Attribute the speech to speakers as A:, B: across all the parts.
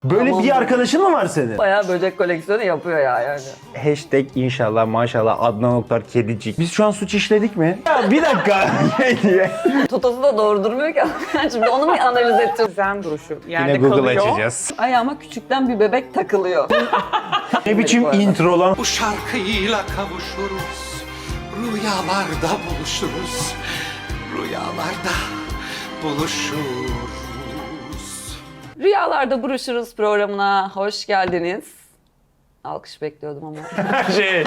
A: Böyle
B: Tamam.
A: bir arkadaşın mı var senin?
B: Bayağı böcek koleksiyonu yapıyor ya yani.
A: Hashtag inşallah maşallah Adnan Oktar kedicik. Biz şu an suç işledik mi? Ya bir dakika. Ne diye?
B: Totosu da doğru durmuyor ki. Şimdi onu mu analiz edeceğiz?
C: Zen duruşu. Yerde
A: Yine Google
C: kalıyor.
A: açacağız.
B: Ayağıma küçükten bir bebek takılıyor.
A: Ne biçim intro lan?
D: Bu şarkıyla kavuşuruz, rüyalarda buluşuruz, rüyalarda buluşuruz.
B: Rüyalarda Buruşuruz programına hoş geldiniz. Alkış bekliyordum ama.
A: Şey...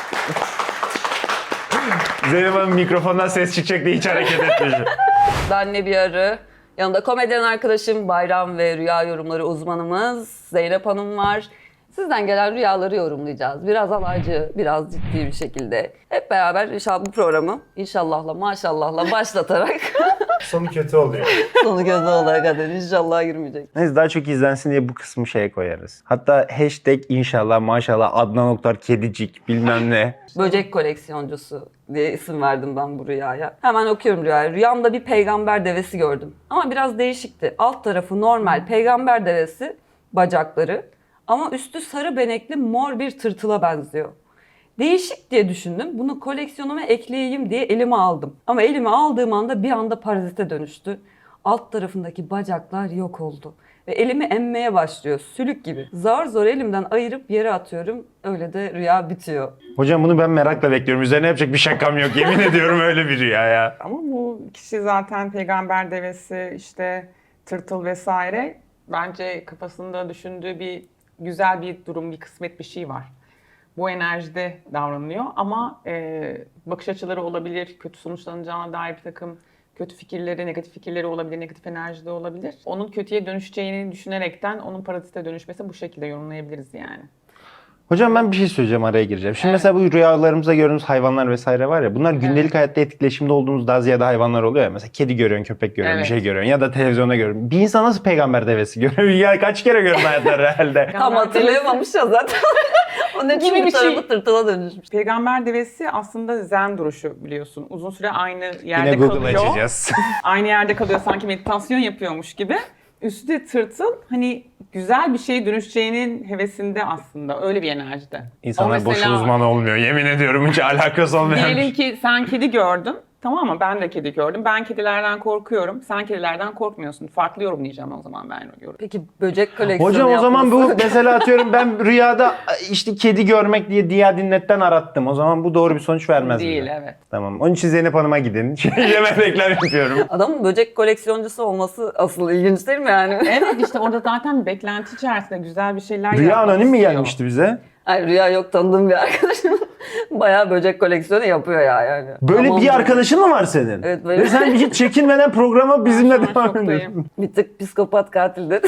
A: Zeynep Hanım mikrofondan ses çıkacak diye hiç hareket etmiyor.
B: Ben Nebi Arı. Yanında komedyen arkadaşım Bayram ve rüya yorumları uzmanımız Zeynep Hanım var. Sizden gelen rüyaları yorumlayacağız. Biraz alaycı, biraz ciddi bir şekilde. Hep beraber inşallah bu programı inşallahla maşallahla başlatarak
A: Sonu kötü oluyor.
B: sonu gözü olaya kadar inşallah girmeyecek.
A: Neyse daha çok izlensin diye bu kısmı şeye koyarız. Hatta hashtag inşallah maşallah Adnan Oktar kedicik bilmem ne.
B: Böcek koleksiyoncusu diye isim verdim ben bu rüyaya. Hemen okuyorum rüyayı. Rüyamda bir peygamber devesi gördüm. Ama biraz değişikti. Alt tarafı normal peygamber devesi, bacakları. Ama üstü sarı benekli mor bir tırtıla benziyor. Değişik diye düşündüm. Bunu koleksiyonuma ekleyeyim diye elime aldım. Ama elime aldığım anda bir anda parazite dönüştü. Alt tarafındaki bacaklar yok oldu. Ve elimi emmeye başlıyor. Sülük gibi. Zar zor elimden ayırıp yere atıyorum. Öyle de rüya bitiyor.
A: Hocam bunu ben merakla bekliyorum. Üzerine yapacak bir şakam yok. Yemin ediyorum öyle bir rüya ya.
C: Ama bu kişi zaten peygamber devesi, işte tırtıl vesaire. Bence kafasında düşündüğü bir güzel bir durum, bir kısmet bir şey var. Bu enerjide davranıyor ama bakış açıları olabilir, kötü sonuçlanacağına dair bir takım kötü fikirleri, negatif fikirleri olabilir, negatif enerjide olabilir. Onun kötüye dönüşeceğini düşünerekten onun parazite dönüşmesi bu şekilde yorumlayabiliriz yani.
A: Hocam ben bir şey söyleyeceğim, araya gireceğim. Şimdi mesela bu rüyalarımızda gördüğümüz hayvanlar vesaire var ya, bunlar gündelik hayatta etkileşimde olduğumuz daha ziyade hayvanlar oluyor ya. Mesela kedi görüyorsun, köpek görüyorsun,
C: Evet.
A: bir şey görüyorsun ya da televizyonda görüyorsun. Bir insan nasıl peygamber devesi görüyor? Ya kaç kere gördün hayatta herhalde?
B: Tam hatırlayamamış ya zaten. Onun için
C: Gibi
B: bir
C: bir şey.
B: tarafı tırtıla dönüşmüş.
C: Peygamber devesi aslında zen duruşu biliyorsun. Uzun süre aynı yerde
A: Yine Google
C: kalıyor.
A: açacağız.
C: Aynı yerde kalıyor, sanki meditasyon yapıyormuş gibi. Üstü de tırtıl, hani güzel bir şeye dönüşeceğinin hevesinde aslında. Öyle bir enerjide.
A: İnsanlar
C: O
A: boşu
C: mesela,
A: uzman olmuyor. Yemin ediyorum hiç alakası olmayan.
C: diyelim ki sen kedi gördün. Tamam mı? Ben de kedi gördüm. Ben kedilerden korkuyorum. Sen kedilerden korkmuyorsun. Farklı yorumlayacağım o zaman ben yorum.
B: Peki böcek koleksiyonu
A: Hocam o zaman bu
B: yapması-
A: mesela atıyorum ben rüyada işte kedi görmek diye Diya Dinlet'ten arattım. O zaman bu doğru bir sonuç vermez
C: Değil,
A: bize.
C: evet.
A: Tamam. Onun için Zeynep Hanım'a gidin. Hemen reklam yapıyorum.
B: Adamın böcek koleksiyoncusu olması asıl ilginç değil mi yani?
C: Evet, işte orada zaten bir beklenti içerisinde güzel bir şeyler
A: Rüya
C: yapmak
A: anonim mi
C: istiyor.
A: gelmişti bize?
B: Ay rüya yok, tanıdığım bir arkadaşım. Bayağı böcek koleksiyonu yapıyor ya yani.
A: Böyle
B: Tamam.
A: bir arkadaşın mı var senin?
B: Evet, böyle.
A: Ve sen hiç çekinmeden programa bizimle
C: Ben şu an
A: devam
C: şoktayım.
A: ediyorsun.
B: Bir tık psikopat katil dedi.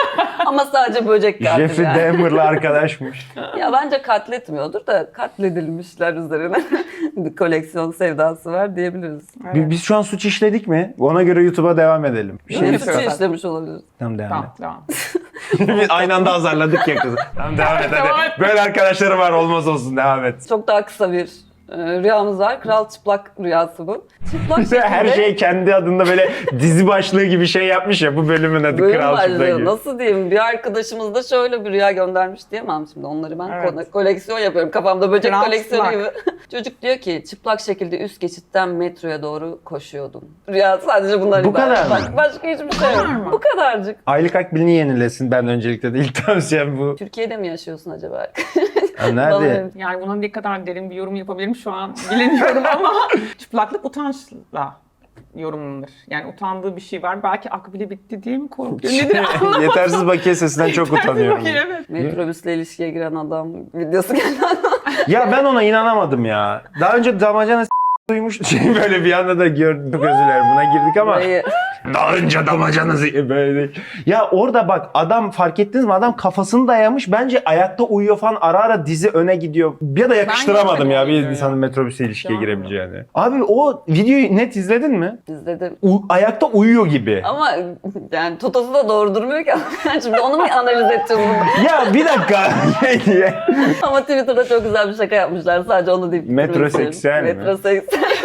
B: Ama sadece böcek katil
A: Jeffrey
B: yani.
A: Dahmer'la arkadaşmış.
B: Ya bence katletmiyordur da katledilmişler üzerine bir koleksiyon sevdası var diyebiliriz.
C: Evet.
A: Biz şu an suç işledik mi? Ona göre YouTube'a devam edelim. Bir şey
B: Ne
C: yapıyoruz.
B: suçu işlemiş olabiliriz.
A: Tamam devam
C: Tamam,
A: et.
C: devam.
A: Biz aynı anda azarladık ya kızı. Tamam devam et
C: Devam
A: hadi.
C: et.
A: Böyle arkadaşları var olmaz olsun devam et.
B: Çok daha kısa bir rüyamız var. Kral çıplak rüyası bu. Çıplak
A: Bize her
B: şekilde-
A: şey kendi adında böyle dizi başlığı gibi şey yapmış ya, bu bölümün adı
B: Bölüm
A: Kral Çıplak
B: başlığı.
A: gibi.
B: Nasıl diyeyim? Bir arkadaşımız da şöyle bir rüya göndermiş diyemem şimdi. Onları ben
C: Evet.
B: koleksiyon yapıyorum. Kafamda böcek
C: Kral
B: koleksiyonu
C: çıplak.
B: gibi. Çocuk diyor ki çıplak şekilde üst geçitten metroya doğru koşuyordum. Rüya sadece bunlar
A: Bu
B: ibaret.
A: kadar mı?
B: Başka hiçbir şey yok.
C: kadar mı?
B: Bu kadarcık.
A: Aylık akbilini yenilesin, ben öncelikle de ilk tavsiyem bu.
B: Türkiye'de mi yaşıyorsun acaba?
A: Ha, nerede?
C: Yani buna ne kadar derin bir yorum yapabilirim şu an bilemiyorum ama çıplaklık utançla yorumlanır. Yani utandığı bir şey var. Belki akbili bitti diye mi korkuyor? Nedir?
A: Yetersiz bakiye sesinden çok utanıyorum.
C: Evet.
B: Metrobüsle ilişkiye giren adam videosu geldi.
A: Ya ben ona inanamadım ya. Daha önce damacana duymuş böyle bir anda da gördük, çok özür dilerim buna girdik ama
B: Burayı-
A: daha önce damacana böyle değil. Ya orada bak adam, fark ettiniz mi, adam kafasını dayamış, bence ayakta uyuyor falan, ara ara dizi öne gidiyor. Ya da yakıştıramadım ya bir
C: görmedim
A: insanın
C: ya.
A: metrobüse ilişkiye
C: Şu an
A: girebileceğini. Abi o videoyu net izledin mi?
B: izledim.
A: Ayakta uyuyor gibi.
B: Ama yani Totosu da doğru durmuyor ki. Şimdi onu mu analiz edeceğiz bunu?
A: Ya bir dakika ne diye.
B: Ama Twitter'da çok güzel bir şaka yapmışlar. Sadece onu deyip
A: Metroseksüel mi?
B: Metroseksüel.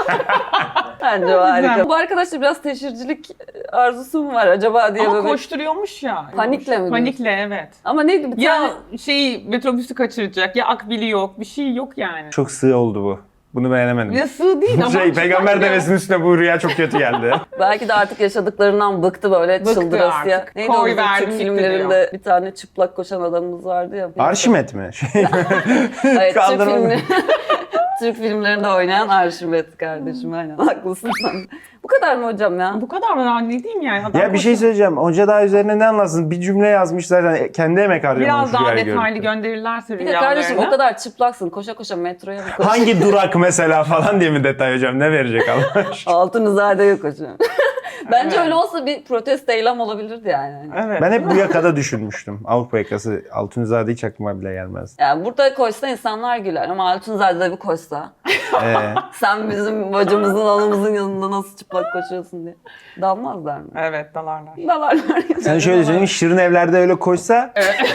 B: Bence o harika. Bu arkadaşta biraz teşhircilik arzusu mu var acaba diye
C: Ama
B: böyle.
C: koşturuyormuş ya.
B: Panikle mi?
C: Panikle, evet.
B: Ama neydi bir tane?
C: Ya metrobüsü kaçıracak, ya akbili yok, bir şey yok yani.
A: Çok sığ oldu bu. Bunu beğenemedim.
C: Ya sığ değil ama.
A: Peygamber
C: çıplak ya.
A: devesinin üstüne bu rüya çok kötü geldi.
B: Belki de artık yaşadıklıklarından bıktı böyle
C: Bıktı
B: çıldırasıya.
C: artık.
B: Neydi o
C: Koy
B: bizim
C: verdim,
B: Türk
C: gitti
B: filmlerinde
C: diyor.
B: bir tane çıplak koşan adamımız vardı ya.
A: Arşimet mi?
B: Evet,
A: Kaldırma.
B: Türk filmlerinde oynayan Arşimet kardeşim, aynen haklısın sen. Bu kadar mı hocam ya?
C: Bu kadar mı lan, ne diyeyim yani? Adam
A: Ya bir şey söyleyeceğim. Hoca daha üzerine ne anlatsın? Bir cümle yazmış zaten. Kendi emek harcamış.
C: Biraz daha
A: rüyayı
C: detaylı
A: görüp.
C: gönderirlerse
B: Bir de kardeşim
C: rüyalarını.
B: o kadar çıplaksın, koşa koşa metroya mı koşuyorsun?
A: Hangi durak mesela falan diye mi detay hocam? Ne verecek Allah aşkına?
B: Altınızade'ye koşuyorum. Bence öyle olsa bir protesto eylem olabilirdi yani.
C: Evet.
A: Ben hep bu yakada düşünmüştüm. Avrupa yakası. Altunizade hiç aklıma bile gelmez.
B: Yani burada koşsa insanlar güler ama Altınzade'de bir koşsa. Sen bizim bacımızın, anamızın yanında nasıl çıplak koşuyorsun diye. Dalmazlar mı?
C: Evet, dalarlar.
B: Dalarlar.
A: Sen şöyle söyleyeyim. Şirin evlerde öyle koşsa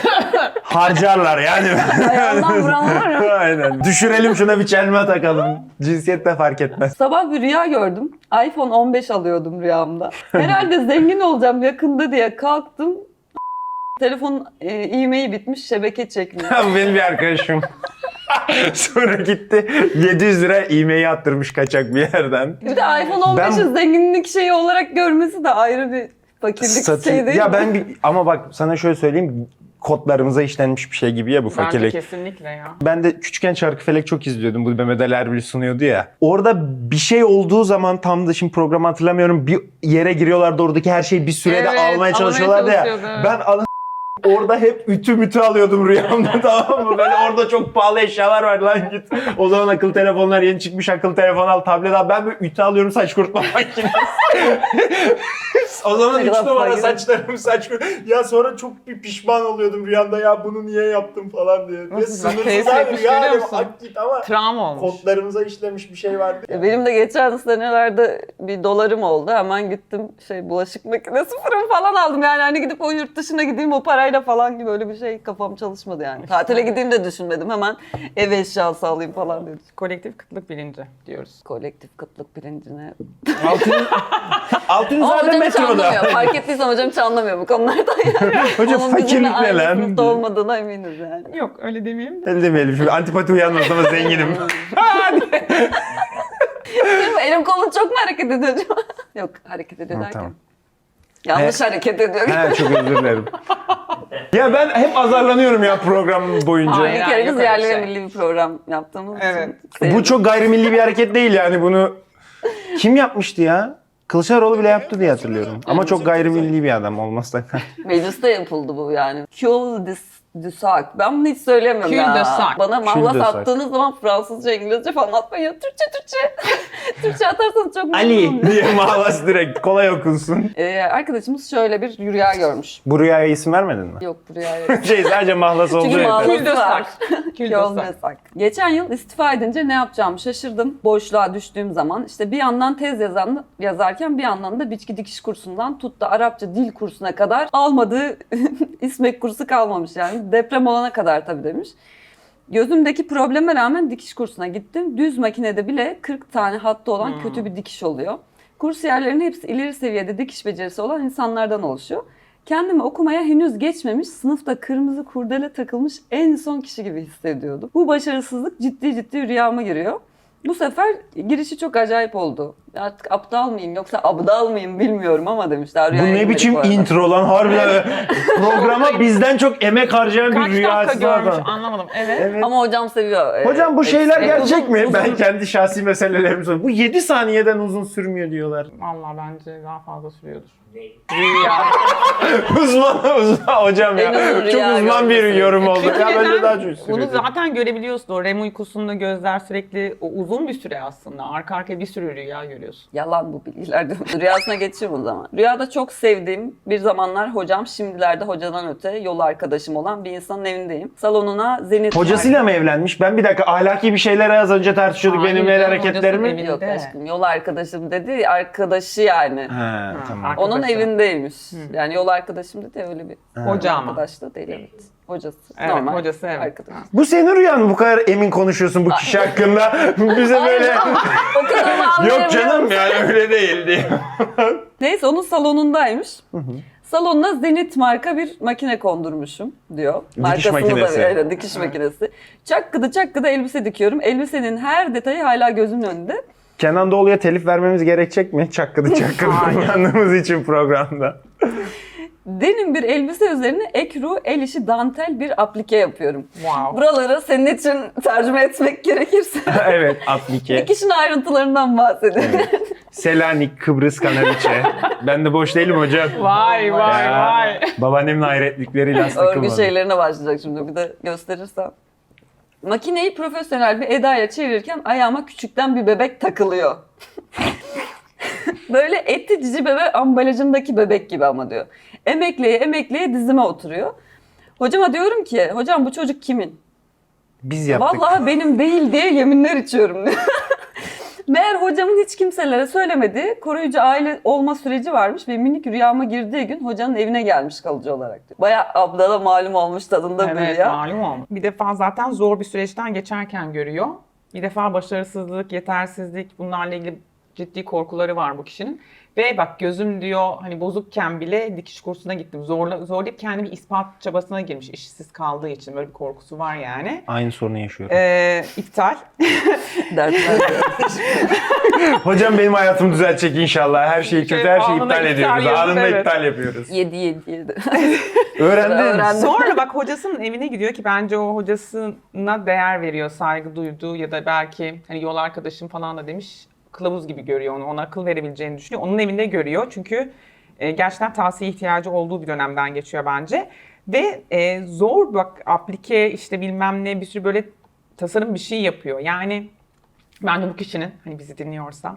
A: harcarlar yani.
B: Ayağından vuranlar ya.
A: Aynen. Düşürelim şuna bir çelme takalım. Cinsiyet de fark etmez.
B: Sabah bir rüya gördüm. iPhone 15 alıyordum rüyamda. Herhalde zengin olacağım yakında diye kalktım. Telefonun e-mail bitmiş, şebeke çekmiyor.
A: Bu benim bir arkadaşım. Sonra gitti 700 lira e-mail attırmış kaçak bir yerden.
B: Bir de iPhone 15'i zenginlik şeyi olarak görmesi de ayrı bir fakirlik şey değil
A: ya
B: mi?
A: ama bak sana şöyle söyleyeyim, kodlarımıza işlenmiş bir şey gibi ya bu
C: Bence
A: fakirlik.
C: kesinlikle ya.
A: Ben de küçükken Çarkıfelek çok izliyordum. Bu Mehmet Ali Erbil sunuyordu ya. Orada bir şey olduğu zaman tam da şimdi programı hatırlamıyorum. Bir yere giriyorlardı, oradaki her şeyi bir sürede
C: Evet,
A: almaya
C: almaya
A: çalışıyorlardı ya.
C: çalışıyordu.
A: Ben orada hep ütü alıyordum rüyamda, tamam mı? Böyle orada çok pahalı eşyalar var lan git. O zaman akıllı telefonlar yeni çıkmış, akıllı telefon al, tablet al. Ben böyle ütü alıyorum, saç kurutma makinesi. O zaman
B: Ne
A: 3
B: kadar
A: numara
B: fakir.
A: saçlarım saç Ya sonra çok bir pişman oluyordum rüyamda, ya bunu niye yaptım falan diye. Ve
C: Nasıl bak,
A: sınırsız
C: teyze
A: abi
C: yapmış,
A: rüya
C: görüyor
A: alem,
C: musun?
A: ak git ama
C: Travma olmuş.
A: kodlarımıza işlemiş bir şey vardı.
B: Benim de geçen senelerde bir dolarım oldu. Hemen gittim bulaşık makinesi, fırın falan aldım. Yani hani gidip o yurt dışına gideyim o parayla falan gibi öyle bir şey kafam çalışmadı yani. Tatile gideyim de düşünmedim. Hemen ev eşyası alayım falan dedim.
C: Kolektif kıtlık bilinci diyoruz.
B: Kolektif kıtlık bilincine.
A: Altınizade
B: Ama hocam hiç
A: metroda.
B: anlamıyor. Fark ettiysen hocam hiç anlamıyor bu konulardan yani.
A: Hocam
B: Onun
A: fakirlik
B: bizimle
A: ne
B: aynı
A: lan?
B: sınıfta olmadığına eminiz yani.
C: Yok, öyle demeyelim de.
A: Öyle demeyelim şimdi, antipati uyanmaz ama zenginim.
B: Benim elim kolum çok mu hareket ediyor acaba? Yok, hareket ediyor derken.
A: Tamam.
B: Yanlış hareket ediyor.
A: He, çok özür dilerim. Ya ben hep azarlanıyorum ya program boyunca.
C: Hayır.
B: Bir kere
C: yok
B: biz
C: öyle
B: yerli
C: şey.
B: ve milli bir program yaptığımız
C: Evet.
B: için.
A: Bu çok gayrimilli bir hareket değil yani, bunu kim yapmıştı ya? Kılıçdaroğlu bile yaptı diye hatırlıyorum. Ama çok gayrimilli bir adam olmazsa.
B: Mecliste yapıldı bu yani. Kill this Dusac. Ben bunu hiç söylemiyorum
C: Kül
B: ya.
C: de sak.
B: Bana
A: Kül
B: mahlas
A: de sak.
B: attığınız zaman Fransızca, İngilizce falan atmayın. Türkçe. Türkçe atarsanız çok
A: Ali
B: memnun
A: diye mahlas direkt kolay okunsun.
B: Arkadaşımız şöyle bir rüya görmüş.
A: Bu rüyaya isim vermedin mi?
B: Yok bu rüya yok.
A: Sadece mahlas olduğu
B: Çünkü
A: yeter.
B: mahlas
C: Kül de
B: var.
C: sak. Kül de
B: Yol
C: sak.
B: mesak. Geçen yıl istifa edince ne yapacağımı şaşırdım. Boşluğa düştüğüm zaman işte bir yandan tez yazarken bir yandan da biçki dikiş kursundan tut da Arapça dil kursuna kadar almadığı İSMEK kursu kalmamış yani. Deprem olana kadar tabii demiş. Gözümdeki probleme rağmen dikiş kursuna gittim. Düz makinede bile 40 tane hattı olan kötü bir dikiş oluyor. Kursiyerlerin hepsi ileri seviyede dikiş becerisi olan insanlardan oluşuyor. Kendimi okumaya henüz geçmemiş, sınıfta kırmızı kurdele takılmış en son kişi gibi hissediyordum. Bu başarısızlık ciddi rüyama giriyor. Bu sefer girişi çok acayip oldu. Artık aptal mıyım yoksa abdal mıyım bilmiyorum ama demişler.
A: Bu
B: Rüyaya
A: ne
B: girmedik
A: biçim
B: bu arada.
A: intro lan harbiden. Programa bizden çok emek harcayan
C: Kaç
A: bir
C: dakika
A: rüyası
C: görmüş
A: adam.
C: anlamadım. Evet.
A: Evet.
B: Ama hocam seviyor.
A: Hocam bu şeyler gerçek
B: uzun-
A: mi?
B: uzun-
A: Ben kendi şahsi meselelerimi soruyorum. Bu 7 saniyeden uzun sürmüyor diyorlar.
C: Vallahi bence daha fazla sürüyordur.
A: uzman hocam ya.
B: En uzun
A: Çok
B: rüya
A: uzman bir
B: görmesi.
A: yorum oldu.
C: Çünkü
A: Ya bence
C: neden?
A: daha çok
C: Bunu
A: sürüyor.
C: zaten görebiliyorsun. O REM uykusunda gözler sürekli o uzun bir süre aslında. Arka arkaya bir sürü rüya görüyor. söylüyorsun.
B: Yalan bu bilgiler. Rüyasına geçiyorum o zaman. Rüyada çok sevdiğim, bir zamanlar hocam, şimdilerde hocadan öte yol arkadaşım olan bir insanın evindeyim. Salonuna zenit...
A: Hocasıyla mı evlenmiş? Ben bir dakika ahlaki bir şeyler az önce tartışıyorduk
C: Hayır
A: benim el
C: canım,
A: hareketlerimi.
C: hocasının
B: Yok
C: evinde.
B: aşkım, yol arkadaşım dedi, arkadaşı yani.
A: Ha, tamam.
B: Onun
C: Arkadaşı.
B: evindeymiş. Yani yol arkadaşım dedi, öyle bir
C: Hoca ama.
B: arkadaş da değil, evet. Hocası.
C: Evet,
B: Normal.
C: hocası, evet.
B: Arkadaş.
A: Bu senin rüyan mı? Bu kadar emin konuşuyorsun bu kişi hakkında. Bize böyle...
B: Okuduğumu
A: Yok
B: anlayabiliyor
A: canım
B: musun?
A: yani öyle değil diye.
B: Neyse onun salonundaymış. Salonuna Zenit marka bir makine kondurmuşum diyor.
A: Dikiş
B: Markasını
A: makinesi.
B: da öyle, dikiş makinesi. Çakkıda elbise dikiyorum. Elbisenin her detayı hala gözümün önünde.
A: Kenan Doğulu'ya telif vermemiz gerekecek mi? Çakkıdı kullandığımız için programda.
B: Denim bir elbise üzerine ekru, el işi dantel bir aplike yapıyorum.
C: Wow.
B: Buraları senin için tercüme etmek gerekirse
A: Evet, aplike.
B: dikişin ayrıntılarından bahsediyorum.
A: Selanik, Kıbrıs, Kanaviçe. Ben de boş değilim hocam.
C: Vay vay
A: Ya,
C: vay.
A: Babaannemin hayretlikleriyle
B: Örgü
A: takılmadım.
B: şeylerine başlayacak şimdi, bir de gösterirsem. Makineyi profesyonel bir edayla çevirirken ayağıma küçükten bir bebek takılıyor. Böyle etli cici bebe ambalajındaki bebek gibi ama diyor. Emekleye dizime oturuyor. Hocama diyorum ki, hocam bu çocuk kimin?
A: Biz yaptık.
B: Vallahi benim değil diye yeminler içiyorum. Meğer hocamın hiç kimselere söylemediği koruyucu aile olma süreci varmış ve minik rüyama girdiği gün hocanın evine gelmiş kalıcı olarak diyor. Bayağı ablana malum olmuş tadında bir
C: Evet,
B: rüya.
C: malum olmuş. Bir defa zaten zor bir süreçten geçerken görüyor. Bir defa başarısızlık, yetersizlik, bunlarla ilgili ciddi korkuları var bu kişinin. Ve bak gözüm diyor hani bozukken bile dikiş kursuna gittim. Zorlayıp kendimi ispat çabasına girmiş işsiz kaldığı için. Böyle bir korkusu var yani.
A: Aynı sorunu yaşıyorum.
C: İptal.
B: Dertler.
A: Hocam benim hayatımı düzeltecek inşallah. Her şeyi kötü, her şeyi
C: Anında
A: iptal
C: iptal
A: ediyoruz.
C: yapıp,
A: Anında
C: evet.
A: iptal yapıyoruz.
B: 7.
A: Öğrendin.
B: Öğrendim.
C: Sonra bak hocasının evine gidiyor ki bence o hocasına değer veriyor, saygı duyduğu ya da belki hani yol arkadaşım falan da demiş. Kılavuz gibi görüyor onu, ona akıl verebileceğini düşünüyor. Onun evinde görüyor çünkü gerçekten tavsiye ihtiyacı olduğu bir dönemden geçiyor bence. Ve zor bak aplike işte bilmem ne bir sürü böyle tasarım bir şey yapıyor. Yani bence bu kişinin hani bizi dinliyorsa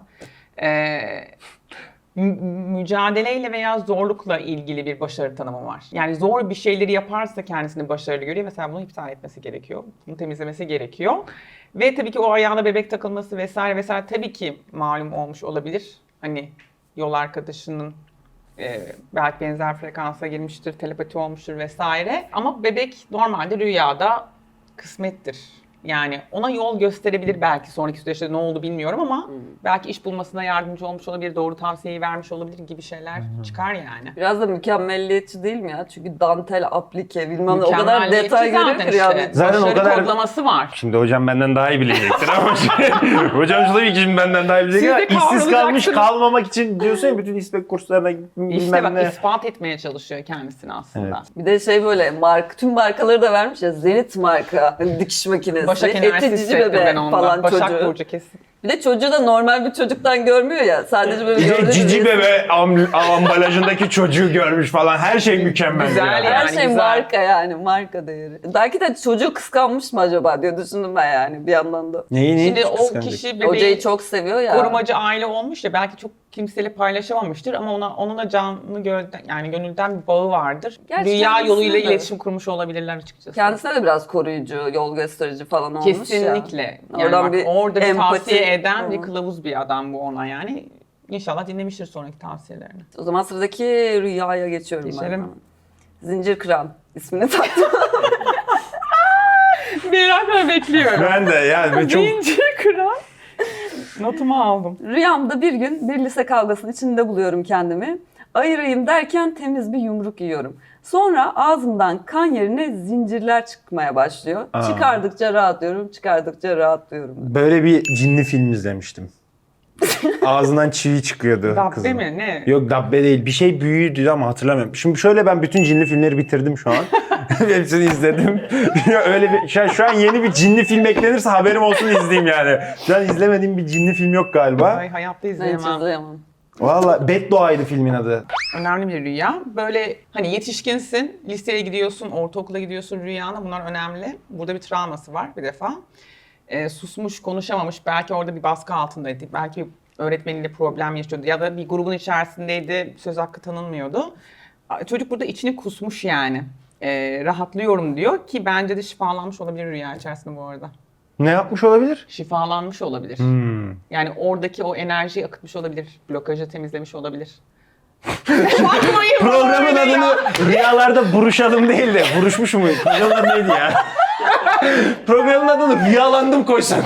C: mücadeleyle veya zorlukla ilgili bir başarı tanımı var. Yani zor bir şeyleri yaparsa kendisini başarılı görüyor. Mesela bunu iptal etmesi gerekiyor. Bunu temizlemesi gerekiyor. Ve tabii ki o ayağına bebek takılması vesaire tabii ki malum olmuş olabilir. Hani yol arkadaşının belki benzer frekansa girmiştir, telepati olmuştur vesaire. Ama bebek normalde rüyada kısmettir. Yani ona yol gösterebilir belki sonraki süreçte ne oldu bilmiyorum ama belki iş bulmasına yardımcı olmuş olabilir, doğru tavsiyeyi vermiş olabilir gibi şeyler çıkar yani.
B: Biraz da mükemmelliyetçi değil mi ya? Çünkü dantel, aplike bilmem ne o kadar
C: Mükemmelliyetçi
B: detay görüyor
C: zaten
B: ki yani.
C: işte.
A: Zaten o
C: Başarı
A: kadar-
C: kodlaması var.
A: Şimdi hocam benden daha iyi bilecektir ama hocam tabii ki şimdi benden daha iyi bilecek
C: Siz de
A: ama işsiz kalmış
C: kavrulacaksınız.
A: kalmamak için diyorsun ya bütün İSPEK kurslarına
C: İşte
A: bilmem
C: bak
A: ne.
C: ispat etmeye çalışıyor kendisini aslında.
B: Bir de şey böyle tüm markaları da vermiş ya, Zenit marka, hani dikiş makinesi,
C: Başak
B: etli
C: enerjisi
B: cici
C: hissettim
B: bebe
C: ben ondan.
B: falan
C: Başak
B: çocuğu.
C: Burcu kesin.
B: Bir de çocuğu da normal bir çocuktan görmüyor ya. Sadece böyle gördüğünüz
A: Cici
B: resim-
A: bebe ambalajındaki çocuğu görmüş falan her şey mükemmel.
C: Güzel
A: yani.
B: Her
C: yani,
B: şey
C: güzel.
B: marka yani, marka değeri. Belki de çocuğu kıskanmış mı acaba diye düşündüm ben yani bir yandan da.
A: Neyi
C: Şimdi o
A: kıskanacak?
C: kişi
B: Hocayı
C: bebeği
B: çok seviyor ya.
C: korumacı aile olmuş ya belki çok kimseyle paylaşamamıştır ama onunla canlı yani gönülden bir bağı vardır.
B: Gerçi
C: Rüya
B: kendisine
C: yoluyla
B: de.
C: iletişim kurmuş olabilirler açıkçası.
B: Kendisine de biraz koruyucu, yol gösterici falan olmuş ya.
C: Kesinlikle. Yani
B: Oradan
C: bak,
B: bir
C: orada bir
B: empati
C: tavsiye eden bir
B: falan.
C: kılavuz bir adam bu ona yani. İnşallah dinlemiştir sonraki tavsiyelerini.
B: O zaman sıradaki rüyaya geçiyorum ben.
C: Geçelim.
B: Zincir kıran ismini taktım.
C: Merakla bekliyorum.
A: Ben de yani ve çok
C: Zincir kıran. Notumu aldım.
B: Rüyamda bir gün bir lise kavgasının içinde buluyorum kendimi. Ayırayım derken temiz bir yumruk yiyorum. Sonra ağzımdan kan yerine zincirler çıkmaya başlıyor.
A: Aa.
B: Çıkardıkça rahatlıyorum, çıkardıkça rahatlıyorum.
A: böyle bir cinli film izlemiştim. Ağzından çivi çıkıyordu
C: Dabbe
A: kızın.
C: mi? Ne?
A: Yok dabbe değil. Bir şey büyüydü ama hatırlamıyorum. Şimdi şöyle ben bütün cinli filmleri bitirdim şu an. Hepsini izledim. Ya öyle bir şu an yeni bir cinli film eklenirse haberim olsun izleyeyim yani. Şu an izlemediğim bir cinli film yok galiba.
C: Ay, hayatta
B: Ben hiç
C: izleyemem.
B: izleyemem.
A: Valla Beddua'ydı filmin adı.
C: Önemli bir rüya. Böyle hani yetişkinsin, liseye gidiyorsun, ortaokula gidiyorsun rüyana bunlar önemli. Burada bir travması var bir defa. Susmuş, konuşamamış, belki orada bir baskı altındaydı. Belki öğretmeniyle problem yaşıyordu ya da bir grubun içerisindeydi, söz hakkı tanınmıyordu. Çocuk burada içini kusmuş yani. Rahatlıyorum diyor ki bence de şifalanmış olabilir rüya içerisinde bu arada.
A: Ne yapmış olabilir?
C: Şifalanmış olabilir. Yani oradaki o enerjiyi akıtmış olabilir. Blokajı temizlemiş olabilir. Bakmayın
A: Programın
C: böyle ya.
A: adını rüyalarda buruşalım değil de buruşmuş mu? Programın adı neydi ya? Programın adını rüyalandım koysan.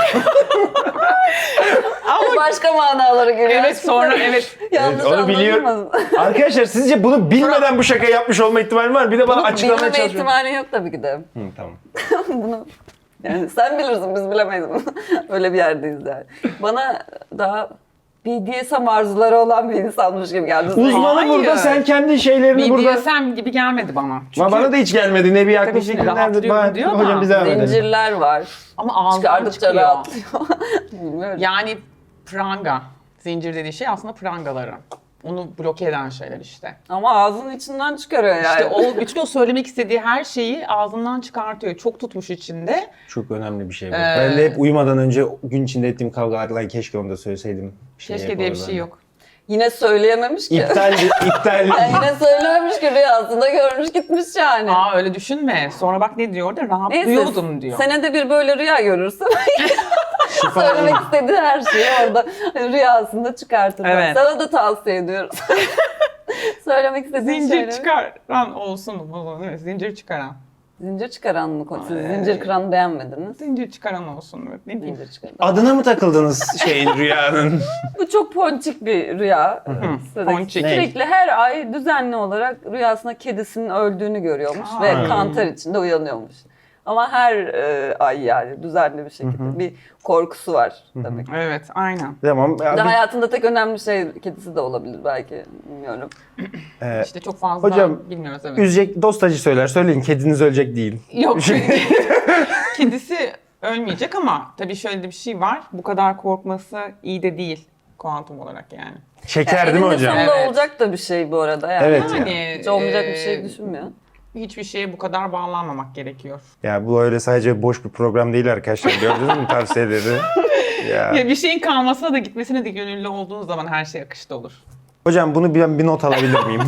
B: Başka manaları geliyor.
C: Evet sonra evet.
B: Yanlış
A: Evet, onu biliyorum.
B: anlaşılmasın.
A: Arkadaşlar sizce bunu bilmeden bu şakayı yapmış olma ihtimali var mı? Bir de bana
B: Bunu
A: açıklamaya
B: bilmeme
A: çalışıyorum.
B: ihtimali yok tabii ki de.
A: Tamam.
B: Bunu yani sen bilirsin, biz bilemeyiz bunu. Öyle bir yerdeyiz yani. Bana daha BDSM arzuları olan bir insanmış gibi geldi.
A: Uzmanı
C: Hayır.
A: burada, sen kendi şeylerini burada...
C: BDSM gibi gelmedi bana. Çünkü
A: Bana da hiç gelmedi. Ne bir yaklaşık
C: şimdi
A: nerede?
C: rahatlıyorum diyor
A: Hocam
C: ama
A: bize devam edelim.
B: Zincirler var.
C: ama ağzından
B: Çıkardıkça
C: çıkıyor.
B: rahatlıyor. Bilmiyorum.
C: Yani pranga. Zincir dediği şey aslında prangaları. Onu bloke eden şeyler işte.
B: Ama ağzının içinden çıkarıyor yani.
C: İşte o söylemek istediği her şeyi ağzından çıkartıyor. Çok tutmuş içinde.
A: Çok önemli bir şey bu. Ben de hep uyumadan önce gün içinde ettiğim kavgalarla keşke onu da söyleseydim.
C: Keşke diye bir şey yok.
B: Yine söyleyememiş ki.
A: İptal.
B: Yani yine söylememiş ki rüyasında görmüş gitmiş yani.
C: Aa öyle düşünme. Sonra bak ne diyor orada? Rahatlıyordum diyor.
B: Senede bir böyle rüya görürsün. Söylemek istediği her şeyi orada rüyasında çıkartır.
C: Evet.
B: Sana da tavsiye ediyoruz. Söylemek istediğin
C: Zincir
B: şeyleri.
C: çıkaran olsun mu? Değil mi? Zincir çıkaran.
B: Zincir çıkaran mı? Siz zincir kıran beğenmediniz.
C: Zincir çıkaran olsun. Evet. Ne diyeyim?
B: Zincir çıkaran.
A: Adına mı takıldınız şeyin, rüyanın?
B: Bu çok ponçik bir rüya.
C: ponçik.
B: Sürekli her ay düzenli olarak rüyasında kedisinin öldüğünü görüyormuş ve kantar içinde uyanıyormuş. Ama her ay yani düzenli bir şekilde bir korkusu var demek.
C: Evet aynen.
A: Tamam.
B: Bir de hayatında tek önemli şey kedisi de olabilir belki, bilmiyorum.
C: İşte çok fazla
A: Hocam,
C: bilmiyoruz evet.
A: Üzecek dostacı söyler. Söyleyin, kediniz ölecek değil.
C: Yok. Kedisi ölmeyecek ama tabii şöyle de bir şey var. Bu kadar korkması iyi de değil kuantum olarak yani.
A: Şeker değil mi
B: Eninde
A: hocam?
B: sonunda
C: Evet.
B: olacak da bir şey bu arada yani.
A: Evet.
C: Yani
B: Hiç olmayacak bir şey düşünmüyor.
C: hiçbir şeye bu kadar bağlanmamak gerekiyor.
A: Ya bu öyle sadece boş bir program değil arkadaşlar. Gördünüz mü tavsiyeleri? Ya.
C: Ya bir şeyin kalmasına da gitmesine de gönüllü olduğun zaman her şey akışta olur.
A: Hocam bunu bir not alabilir miyim?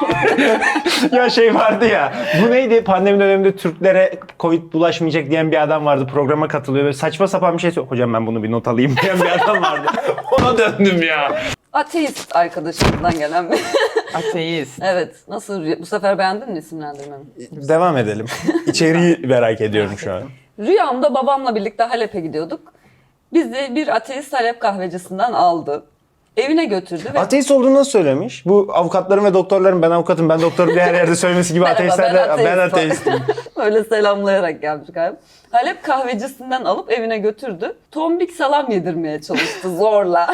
A: Ya şey vardı ya, bu neydi? Pandemi döneminde Türklere Covid bulaşmayacak diyen bir adam vardı. Programa katılıyor ve saçma sapan bir şey söylüyor. Hocam ben bunu bir not alayım diyen bir adam vardı. Ona döndüm ya.
B: Ateist arkadaşımızdan gelen bir...
C: Ateist.
B: Evet. Nasıl? Bu sefer beğendin mi isimlendirmemi?
A: Devam edelim. İçeriği merak ediyorum şu an.
B: Rüyamda babamla birlikte Halep'e gidiyorduk. Bizi bir ateist Halep kahvecisinden aldı. Evine götürdü ve
A: Ateist olduğunu nasıl söylemiş? Bu avukatların ve doktorların ben avukatım, ben doktorum diye her yerde söylemesi gibi
B: Merhaba,
A: ateistler de ben
B: ateistim.
A: ateistim.
B: öyle selamlayarak gelmiş galiba. Halep kahvecisinden alıp evine götürdü. Tombik salam yedirmeye çalıştı zorla.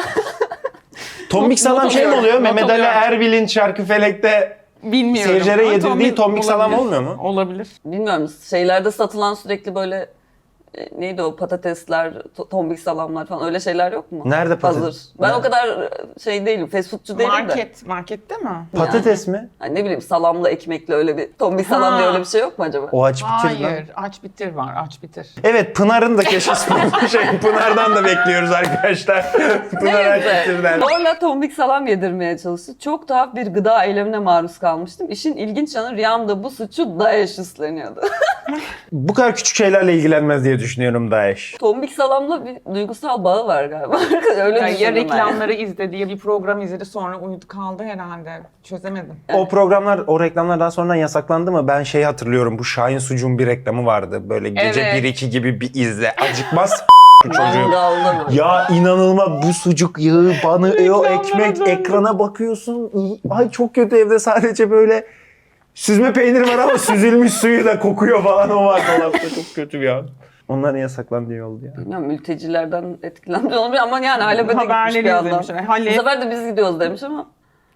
A: Tombik salam şey mi oluyor?
C: Not
A: Mehmet Ali
C: alıyorum.
A: Erbil'in Şarkıfelek'te
C: Bilmiyorum.
A: seyircilere
C: Ama
A: yedirdiği tombik salam
C: olabilir.
A: olmuyor mu?
C: Olabilir.
B: Bilmiyorum, şeylerde satılan sürekli böyle neydi o patatesler, tombik salamlar falan öyle şeyler yok mu?
A: Nerede patates?
B: Hazır. Ben o kadar şey değilim, fast foodçu değilim de.
C: Markette mi?
A: Patates mi?
B: Hani ne bileyim salamla ekmekle öyle bir tombik salam
C: Ha.
B: diye öyle bir şey yok mu acaba?
A: O aç bitir lan.
C: Hayır. Aç bitir var. Aç bitir.
A: Evet, Pınar'ın da keşke Pınar'dan da bekliyoruz arkadaşlar. Pınar aç
B: Neyse.
A: bitirden.
B: Zorla tombik salam yedirmeye çalıştı. Çok tuhaf bir gıda eylemine maruz kalmıştım. İşin ilginç yanı rüyamda bu suçu Daesh üstleniyordu.
A: Bu kadar küçük şeylerle ilgilenmez diye düşünüyorum Daesh.
B: Tombik salamla bir duygusal bağı var galiba. Öyle
C: Ya
B: düşündüm ben.
C: reklamları izledi ya bir program izledi sonra uyudu kaldı herhalde. Çözemedim.
A: O programlar, o reklamlar daha sonradan yasaklandı mı? Ben şeyi hatırlıyorum. Bu Şahin Sucuğun bir reklamı vardı. Böyle gece
C: Evet.
A: 1-2 gibi bir izle. Acıkmaz bu çocuğu.
B: Mangalda mı?
A: Ya inanılmaz, bu sucuk yağı banıyor,
C: Reklamlara
A: ekmek,
C: döndü.
A: ekrana bakıyorsun. Ay çok kötü, evde sadece böyle süzme peynir var ama süzülmüş suyu da kokuyor falan, o var dolapta, çok kötü ya. Onların yasaklandığı iyi oldu ya.
B: Bilmiyorum, mültecilerden etkilenmiş olabilir ama yani Halep'e de gitmiş
C: Haberleri
B: bir adam.
C: izlemişler. Halep.
B: Bu sefer de biz gidiyoruz demiş ama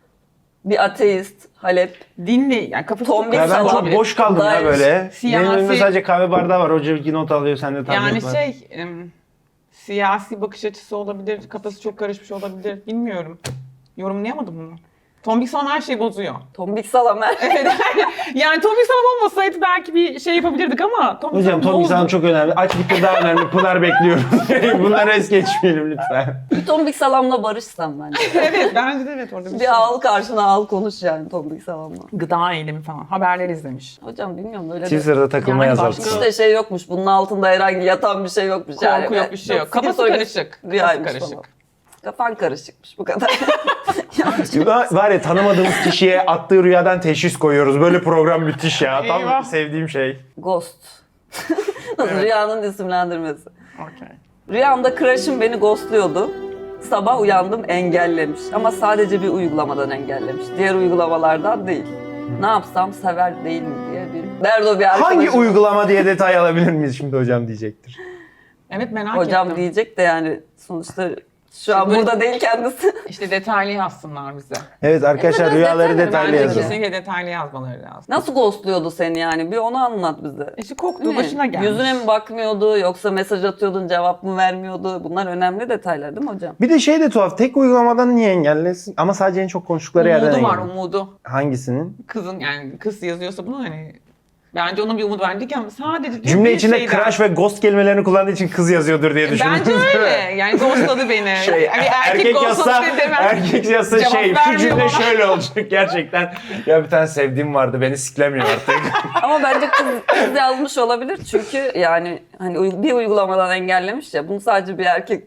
B: bir ateist, Halep,
C: Dinle yani kafası
B: Tombik
A: Ya ben
B: salam.
A: çok boş kaldım ya
B: Daesh.
A: böyle.
C: Siyasi-
A: Benim önümde sadece kahve bardağı var. Hoca bir not alıyor, sende tablet
C: yani
A: var.
C: siyasi bakış açısı olabilir, kafası çok karışmış olabilir. Bilmiyorum. Yorumlayamadım bunu. Tombik salam her şeyi bozuyor.
B: Tombik salam her şey.
C: Yani tombik salam olmasaydı belki bir şey yapabilirdik ama tombik
A: Hocam
C: salam
A: Tommy
C: bozdu.
A: Hanım çok önemli. Aç bitir daha önemli. Pınar bekliyorum. Bunları es geçmeyelim lütfen.
B: Bir tombik salamla barışsam bence.
C: Evet bence de evet orada bir şey.
B: Bir al karşına al konuş yani tombik salamla.
C: Gıda eylemi falan. Haberler izlemiş.
B: Hocam bilmiyorum öyle de.
A: Twitter'da takılmaya
C: Yani
A: azalttım.
C: başka-
B: İşte şey yokmuş. Bunun altında herhangi yatan bir şey yokmuş.
C: Korku yok, bir şey yok. Kafası
B: Skizofrenik
C: karışık.
B: rüyaymış
C: Kafası karışık.
B: falan. Kafan karışıkmış bu kadar.
A: Var ya tanımadığımız kişiye attığı rüyadan teşhis koyuyoruz. Böyle program müthiş ya. Tam
C: Eyvah.
A: sevdiğim şey.
B: Ghost. Rüyanın isimlendirmesi.
C: Okey.
B: Rüyamda crush'ım beni ghostluyordu. Sabah uyandım engellemiş. Ama sadece bir uygulamadan engellemiş. Diğer uygulamalardan değil. Ne yapsam sever değil mi diye bir... Nerede o bir arkadaşım?
A: Hangi uygulama diye detay alabilir miyiz şimdi hocam diyecektir.
C: Evet merak
B: Hocam
C: ettim.
B: diyecek de yani sonuçta şu an
C: Böyle-
B: burada değil kendisi.
C: İşte detaylı yazsınlar bize.
A: Evet arkadaşlar
B: Evet,
A: rüyaları
B: detaylı
A: detaylı
C: Bence
A: yazın.
C: kesinlikle detaylı yazmaları lazım.
B: Nasıl ghostluyordu seni yani? Bir onu anlat bize.
C: İşte korktuğu
B: Ne?
C: başına gelmiş.
B: Yüzüne mi bakmıyordu yoksa mesaj atıyordun cevap mı vermiyordu? Bunlar önemli detaylar değil mi hocam?
A: Bir de şey de tuhaf. Tek uygulamadan niye engellesin? Ama sadece en çok konuştukları yerden
C: Umudu var
A: engellesin.
C: umudu.
A: Hangisinin?
C: Kızın yani kız yazıyorsa bunu hani bence onun bir umudu var. Diyeceğim sadece diyor
A: Cümle
C: bir
A: içinde
C: şeyden.
A: crash ve ghost kelimelerini kullandığı için kız yazıyordur diye düşündüm.
C: Bence öyle. Yani ghostladı beni.
A: Şey,
C: Hani
A: erkek yazsa,
C: ghostladı demem.
A: erkek yazsa
C: Cevap
A: şey, şu
C: vermiyor
A: cümle
C: bana.
A: şöyle olacak gerçekten. Ya bir tane sevdiğim vardı, beni siklemiyor artık.
B: Ama bence kız yazmış olabilir çünkü yani hani bir uygulamadan engellemiş ya bunu sadece bir erkek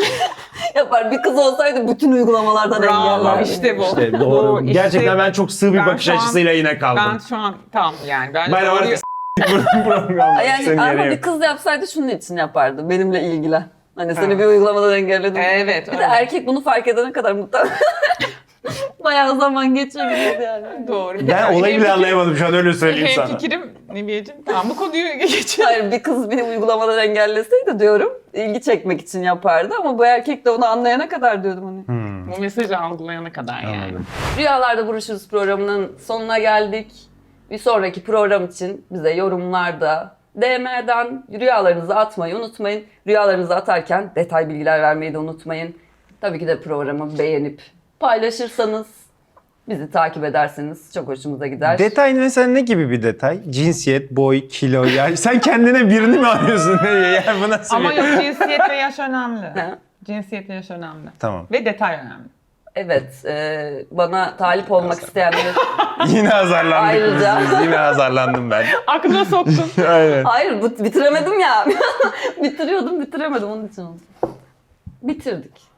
B: yapar. Bir kız olsaydı bütün uygulamalardan
C: Bravo
B: engellerdi.
C: işte bu.
A: İşte doğru.
C: Bu işte-
A: Gerçekten ben çok sığ bir
C: Ben
A: bakış
C: şu an-
A: açısıyla yine kaldım.
C: Ben şu an tamam yani. Bence
A: Ben
C: doğru-
A: artık programda
B: Yani
A: senin
B: ama
A: yerine
B: bir
A: yok.
B: kız yapsaydı şunun için yapardı. Benimle ilgilen. Hani seni
C: Evet.
B: bir uygulamadan engelledim.
C: Evet,
B: Bir de
C: öyle.
B: erkek bunu fark edene kadar muhtemelen bayağı zaman geçebilirdi yani.
C: Doğru.
A: Ben olayı bile
C: Hem-
A: anlayamadım şu an öyle söyleyeyim
C: Hem
A: sana.
C: fikrim Neviyeciğim. Tamam bu konuyu geçelim.
B: Hayır bir kız bir uygulamadan engelleseydi diyorum ilgi çekmek için yapardı ama bu erkek de onu anlayana kadar diyordum hani.
C: Bu mesajı algılayana kadar yani.
A: Anladım.
B: Rüyalarda Buluşuruz programının sonuna geldik. Bir sonraki program için bize yorumlarda DM'den rüyalarınızı atmayı unutmayın. Rüyalarınızı atarken detay bilgiler vermeyi de unutmayın. Tabii ki de programı beğenip paylaşırsanız, bizi takip ederseniz çok hoşumuza gider.
A: Detay mesela ne gibi bir detay? Cinsiyet, boy, kilo. Yani sen kendine birini mi arıyorsun? Yani bu nasıl
C: Ama
A: bir...
C: yok cinsiyet ve yaş önemli.
B: Ha?
C: Cinsiyet ve yaş önemli.
A: Tamam.
C: Ve detay önemli.
B: Evet, bana talip olmak isteyenler...
A: Yine azarlandık
B: Ayrıca-
A: biz. Yine azarlandım ben.
C: Aklına soktun.
A: Aynen.
B: Hayır, bitiremedim ya. Bitiriyordum, bitiremedim onun için oldu. Bitirdik.